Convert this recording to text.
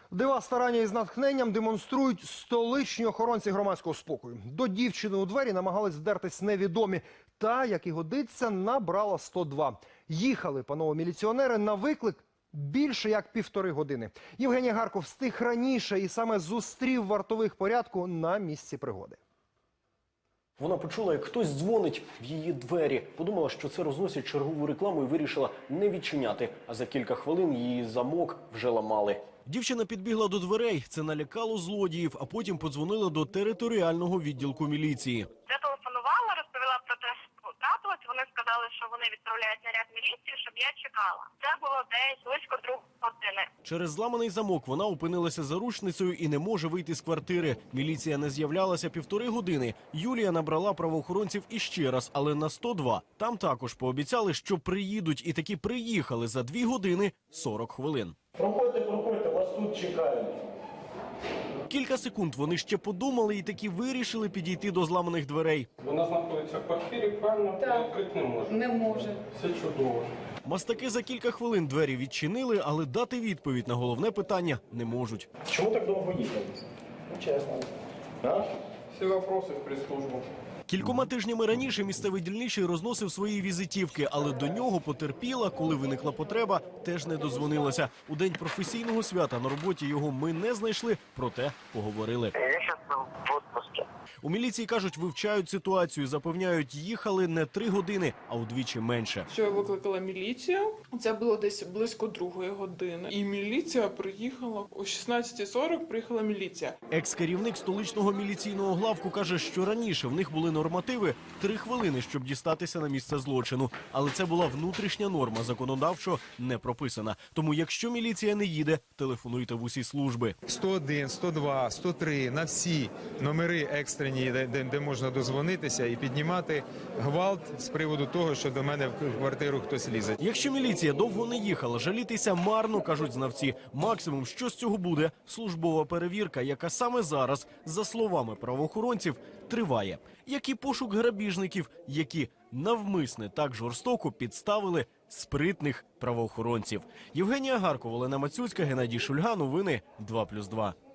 Дива старання із натхненням демонструють столичні охоронці громадського спокою. До дівчини у двері намагались вдертись невідомі. Та, як і годиться, набрала 102. Їхали панове міліціонери на виклик більше як 1,5 години. Євгеній Гарков встиг раніше і саме зустрів вартових порядку на місці пригоди. Вона почула, як хтось дзвонить в її двері. Подумала, що це розносять чергову рекламу і вирішила не відчиняти. А за кілька хвилин її замок вже ламали. Дівчина підбігла до дверей. Це налякало злодіїв, а потім подзвонила до територіального відділку міліції. Я телефонувала, розповіла про те, що трапилось. Вони сказали, що вони відправляють наряд міліції, щоб я чекала. Це було десь близько 2 години. Через зламаний замок вона опинилася заручницею і не може вийти з квартири. Міліція не з'являлася 1,5 години. Юлія набрала правоохоронців іще раз, але на 102. Там також пообіцяли, що приїдуть, і таки приїхали за 2 години 40 хвилин. Проходьте, вас тут чекають. Кілька секунд вони ще подумали і таки вирішили підійти до зламаних дверей. Вона знаходиться в квартирі, правильно? Так. Відкрити не може. Не може. Все чудово. Мастаки за кілька хвилин двері відчинили, але дати відповідь на головне питання не можуть. Чому так довго їхали? Ну, чесно. А? Всі вопроси в прес-службу. Кількома тижнями раніше місцевий дільничий розносив свої візитівки, але до нього потерпіла, коли виникла потреба, теж не дозвонилася. У день професійного свята на роботі його ми не знайшли, проте поговорили. Я зараз в відпустці. У міліції кажуть, вивчають ситуацію, запевняють, їхали не 3 години, а удвічі менше. Що я викликала міліцію, це було десь близько 2 години. І міліція приїхала, о 16:40 приїхала міліція. Екс-керівник столичного міліційного главку каже, що раніше в них були нормативи 3 хвилини, щоб дістатися на місце злочину. Але це була внутрішня норма, законодавчо не прописана. Тому якщо міліція не їде, телефонуйте в усі служби. 101, 102, 103 на всі номери екстрені, де можна дозвонитися і піднімати гвалт з приводу того, що до мене в квартиру хтось лізе. Якщо міліція довго не їхала, жалітися марно, кажуть знавці. Максимум, що з цього буде – службова перевірка, яка саме зараз, за словами правоохоронців, триває. Як і пошук грабіжників, які навмисне так жорстоко підставили спритних правоохоронців. Євгенія Гарков, Олена Мацюцька, Геннадій Шульга. Новини 2+2.